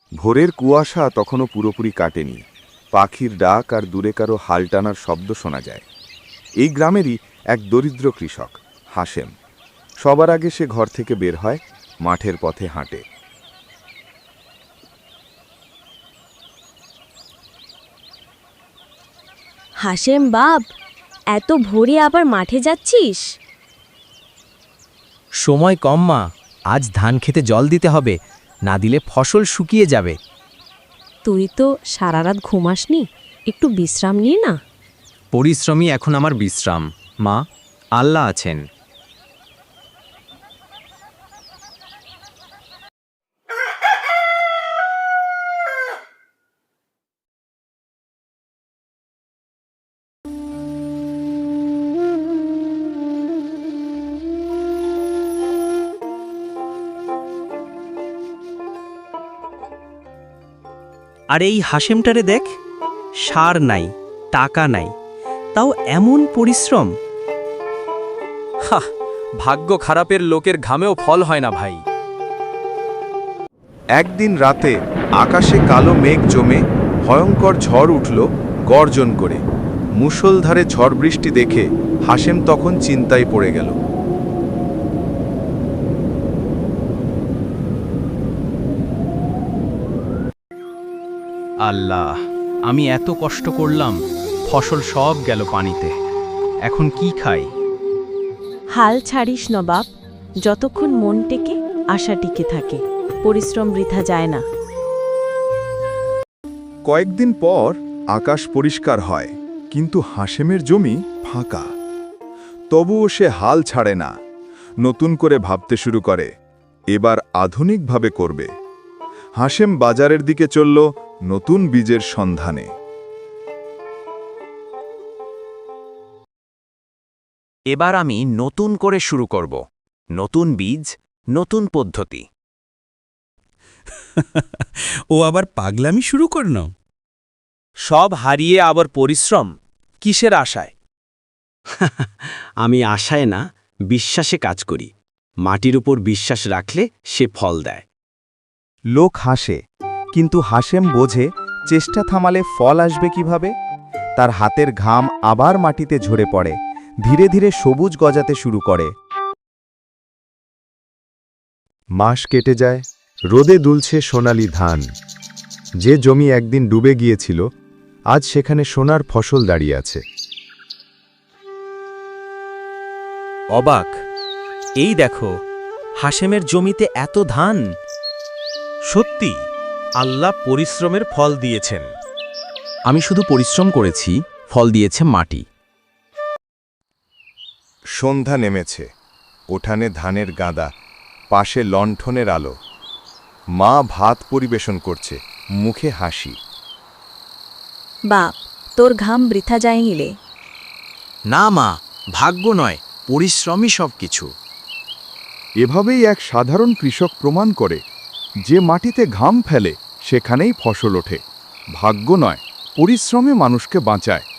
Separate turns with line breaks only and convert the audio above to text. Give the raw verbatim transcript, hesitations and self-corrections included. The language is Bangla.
ভোরের কুয়াশা তখনও পুরোপুরি কাটেনি। পাখির ডাক আর দূরে কারো হাল টানার শব্দ শোনা যায়। এই গ্রামেরই এক দরিদ্র কৃষক হাশেম। সবার আগে সে ঘর থেকে বের হয়, মাঠের পথে হাঁটে।
হাশেম বাপ, এত ভোরে আবার মাঠে যাচ্ছিস?
সময় কম মা, আজ ধান খেতে জল দিতে হবে, না দিলে ফসল শুকিয়ে যাবে।
তুই তো সারা রাত ঘুমাসনি, একটু বিশ্রাম নিয়ে না।
পরিশ্রমই এখন আমার বিশ্রাম মা, আল্লাহ আছেন। আর এই হাশেমটারে দেখ, সার নাই, টাকা নাই, তাও এমন পরিশ্রম। হা, ভাগ্য খারাপের লোকের ঘামেও ফল হয় না ভাই।
একদিন রাতে আকাশে কালো মেঘ জমে ভয়ঙ্কর ঝড় উঠল গর্জন করে। মুষলধারে ঝড় বৃষ্টি দেখে হাশেম তখন চিন্তায় পড়ে গেল।
আল্লাহ, আমি এত কষ্ট করলাম, ফসল সব গেল পানিতে, এখন কি খাই?
হাল ছাড়িস না বাপ, যতক্ষণ মন টেকে আশা টিকে থাকে, পরিশ্রম বৃথা যায় না।
কয়েকদিন পর আকাশ পরিষ্কার হয়, কিন্তু হাশেমের জমি ফাঁকা। তবুও সে হাল ছাড়ে না, নতুন করে ভাবতে শুরু করে, এবার আধুনিকভাবে করবে। হাশেম বাজারের দিকে চলল নতুন বীজের সন্ধানে।
এবার আমি নতুন করে শুরু করব, নতুন বীজ, নতুন পদ্ধতি।
ও আবার পাগলামি শুরু করল।
সব হারিয়ে আবার পরিশ্রম, কিসের আশায়? আমি আশায় না, বিশ্বাসে কাজ করি। মাটির উপর বিশ্বাস রাখলে সে ফল দেয়।
লোক হাসে, কিন্তু হাশেম বোঝে চেষ্টা থামালে ফল আসবে কিভাবে। তার হাতের ঘাম আবার মাটিতে ঝরে পড়ে, ধীরে ধীরে সবুজ গজাতে শুরু করে।
মাস কেটে যায়, রোদে দুলছে সোনালি ধান। যে জমি একদিন ডুবে গিয়েছিল, আজ সেখানে সোনার ফসল দাঁড়িয়ে আছে।
অবাক, এই দেখো, হাশেমের জমিতে এত ধান। সত্যি, আল্লাহ পরিশ্রমের ফল দিয়েছেন। আমি শুধু পরিশ্রম করেছি, ফল দিয়েছে মাটি।
সন্ধ্যা নেমেছে, উঠানে ধানের গাদা, পাশে লণ্ঠনের আলো। মা ভাত পরিবেশন করছে, মুখে হাসি।
বাপ, তোর ঘাম বৃথা যায় নিলে।
না মা, ভাগ্য নয়, পরিশ্রমই সব কিছু।
এভাবেই এক সাধারণ কৃষক প্রমাণ করে, যে মাটিতে ঘাম ফেলে সেখানেই ফসল ওঠে। ভাগ্য নয়, পরিশ্রমে মানুষকে বাঁচায়।